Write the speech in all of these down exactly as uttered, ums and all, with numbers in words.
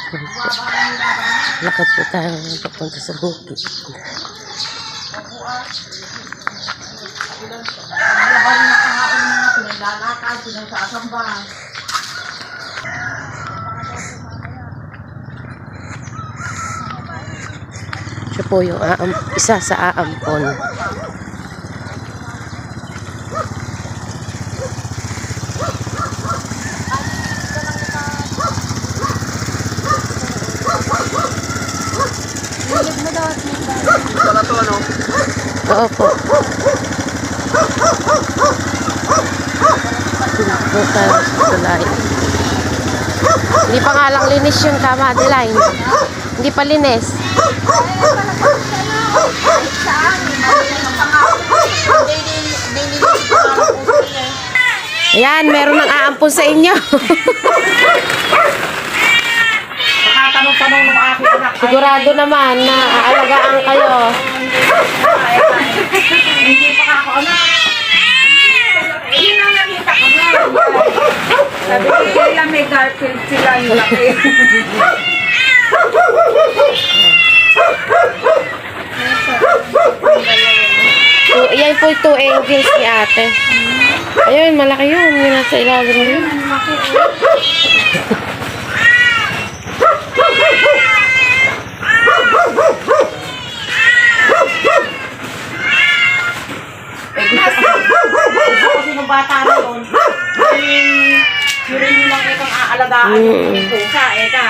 Lakad po tayo papunta sa bukid. Siya po yung aam, isa sa aampon. Wala to ano? Oo po. Punta tayo sa tulay. Hindi pa nga lang linis yung Kama Adeline. Hindi pa linis. Ayan, meron ng aampon sa inyo. Tanong-tanong ng aking anak. Sigurado naman na aalagaan kayo. Hindi pa ako anak. Yun ang nakita ko na. Sabi ko sila may Garfield sila yung laki. So, yan po yung two angles ni ate. Ayun, malaki yun. Yung nasa ilalim yun. Kasi nung bata na yun, yun rin yung lang itong aalagaan yung pusa, eka.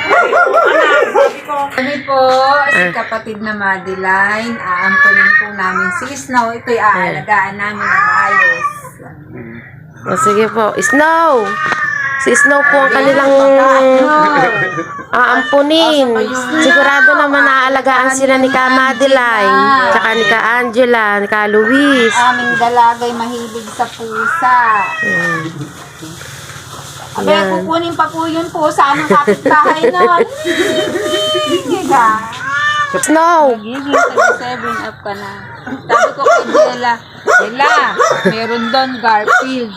Kami po, si kapatid na Madeline, aampunin po namin si Snow. Ito'y aalagaan namin ng maayos. O, sige po. Snow! Si Snow po ang kanilang aampunin. Sigurado naman naaalagaan sila ni Ka Madeline, tsaka ni Ka Angela, ni Ka Luis. Aming dalagay mahilig sa pusa. Hmm. Abe, kukunin pa po yun po sa anong kapitbahay nun. Giga. Snow! Giging seven up ka na. Sabi ko kay Jella, Jella, meron doon Garfield.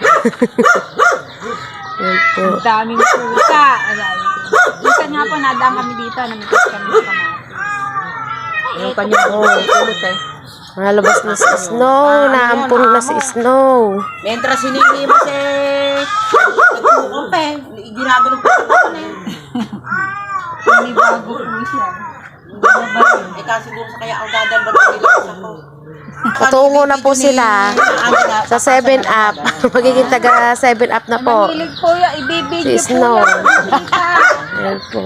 Yan po. Ang daming pusa. Minsan nga po, nadaan kami dito, namitas kami sa kamatis. Yung kanyang kulot eh. Nalabas na si Snow. Naampun na si Snow. Mientras sinili mo si nagkukump eh. Ginagano pa sa eh. Hindi bago po siya. Eh kasi siguro sa kaya ang dadal ba nila sa ko. Patungo na po sila sa seven up. Magiging taga seven up na po. Mahilig po yan, ibibigyo Si po Snow. yan. Yan po.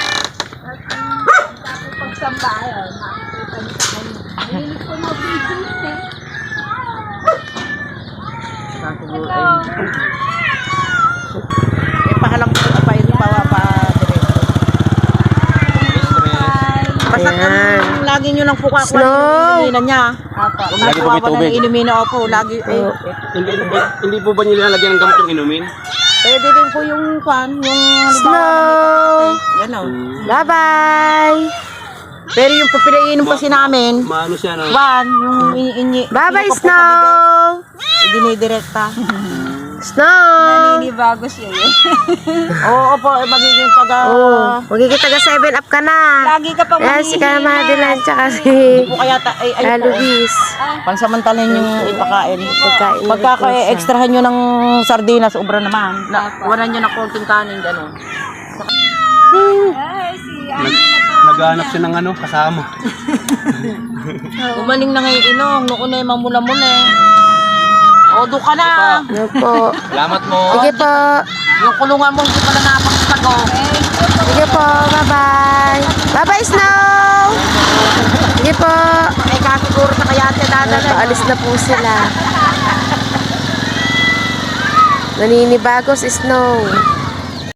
Pagsambayan, makikita niyo sa kanya. Mahilig po na video eh. Eh pahalang po pa yun pa pa basta Ayan. lagi nyo lang po kakuha Snow. yung inuminan niya. Apa. Kung lagi po may tubig. Inumin na po, lagi eh. Oh. Hindi, hindi, hindi po ba nilalagyan ng gamot yung inumin? Pwede din po yung kwan, yung Snow! yan o. Bye-bye! Pero yung papilainom kasi namin, Maano siya, no? one, yung ini Bye-bye, Snow! idinidirekta. Snow! Naninibago siya eh. Oo po, eh, magiging pag Oh, magiging taga seven up ka na. Lagi ka pang Ayan, si Ka Madeline tsaka si po kaya ta, ay, Ka ay po, Luis. pansamantalan yung ipakain. Pagkain na Pagka rin po siya. extrahan nyo ng sardinas, ubra naman. Na, wala nyo ng konting kanin, gano'n. Ay, si Nag, naghanap siya ng ano, kasama. Umaning na ngayon inong, noon eh, mamula-mula eh. O, doon ka na. Ano po? Salamat mo. Sige po. Yung kulungan mo, hindi pala napakatago. Sige po. Bye-bye. Bye-bye, Snow! Sige po. Eh, kasiguro na kaya ate dadala. Paalis na po sila. Naninibago si Snow.